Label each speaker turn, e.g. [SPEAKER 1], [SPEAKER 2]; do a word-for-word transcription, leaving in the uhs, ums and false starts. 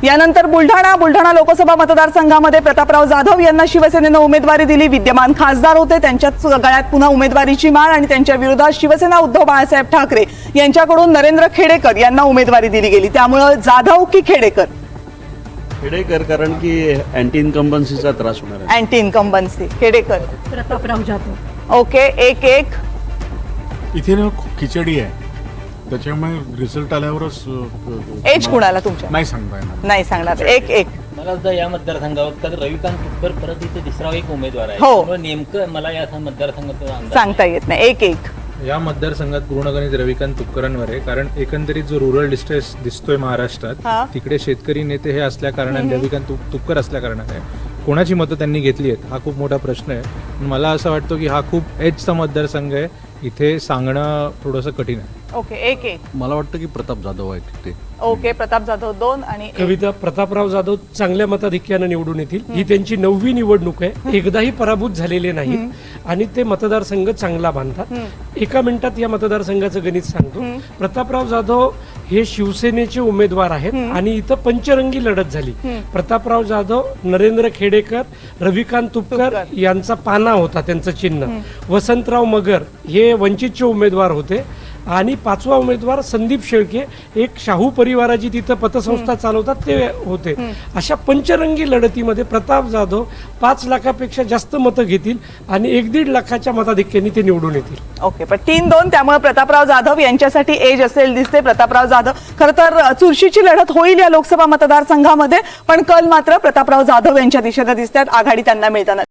[SPEAKER 1] यानंतर बुलढाणा बुलढाणा लोकसभा मतदारसंघामध्ये प्रतापराव जाधव यांना शिवसेनेनं उमेदवारी दिली। विद्यमान खासदार होते, त्यांच्याच गळ्यात पुन्हा उमेदवारीची माळ आणि त्यांच्या विरोधात शिवसेना उद्धव बाळासाहेब ठाकरे यांच्याकडून नरेंद्र खेडेकर यांना उमेदवारी दिली गेली। त्यामुळे जाधव की खेडेकर?
[SPEAKER 2] खेडेकर, कारण की अँटी इन्कम्बन्सीचा त्रास होणार आहे।
[SPEAKER 1] Anti incumbency Khedekar.
[SPEAKER 3] Prataprao Jadhav.
[SPEAKER 1] Okay, एक एक
[SPEAKER 4] इथे ना खूप खिचडी आहे, त्याच्यामुळे रिझल्ट आल्यावरच
[SPEAKER 1] एज कुणाला तुमच्या
[SPEAKER 4] नाही सांगता येणार।
[SPEAKER 1] नाही सांगणार। एक एक
[SPEAKER 5] मला सुद्धा या मतदारसंघावर तर रविकांत तुपकर परत इथे तिसरा एक उमेदवार आहे,
[SPEAKER 1] हो.
[SPEAKER 5] त्यामुळे नेमकं मला या मतदारसंघाचा अंदाज
[SPEAKER 1] सांगता येत नाही। एक एक
[SPEAKER 6] या मतदारसंघात पूर्ण गणित रविकांत तुपकरांवर आहे, कारण एकंदरीत जो रुरल डिस्ट्रेस दिसतोय
[SPEAKER 1] हा.
[SPEAKER 6] महाराष्ट्रात तिकडे शेतकरी नेते हे असल्या कारणाने रविकांत तुप- तुपकर असल्या कारणाने कोणाची मतं त्यांनी घेतली आहेत हा खूप मोठा प्रश्न आहे। पण मला असं वाटतं की हा खूप एजचा मतदारसंघ आहे, इथे सांगणं थोडंसं कठीण आहे।
[SPEAKER 1] ओके, एक एक
[SPEAKER 2] मला वाटतं की प्रताप जाधव आहे तिथे।
[SPEAKER 1] ओके, प्रताप जाधव दोन आणि एक.
[SPEAKER 3] कविता प्रतापराव जाधव चांगल्या मताधिक्यानं निवडून येतील। ही त्यांची नववी निवडणूक आहे, एकदाही पराभूत झालेले नाहीत आणि ते मतदारसंघ चांगला बांधतात। एका मिनिटात या मतदारसंघाचं गणित सांगतो। प्रतापराव जाधव हे शिवसेनेचे उमेदवार आहेत आणि इथं पंचरंगी लढत झाली। प्रतापराव जाधव, नरेंद्र खेडेकर, रविकांत तुपकर यांचा पाना होता त्यांचं चिन्ह। वसंतराव मगर हे वंचितचे उमेदवार होते आणि पाचवा उमेदवार संदीप शेळके, एक शाहू परिवाराची तिथं पतसंस्था चालवतात ते होते। अशा पंचरंगी लढतीमध्ये प्रताप जाधव पाच लाखापेक्षा जास्त मतं घेतील आणि एक दीड लाखाच्या मताधिक्याने ते निवडून येतील।
[SPEAKER 1] ओके, पण तीन दोन, त्यामुळे प्रतापराव जाधव यांच्यासाठी एज असेल दिसते। प्रतापराव जाधव खरं तर चुरशीची लढत होईल या लोकसभा मतदारसंघामध्ये, पण कल मात्र प्रतापराव जाधव यांच्या दिशेने दिसतात, आघाडी त्यांना मिळताना।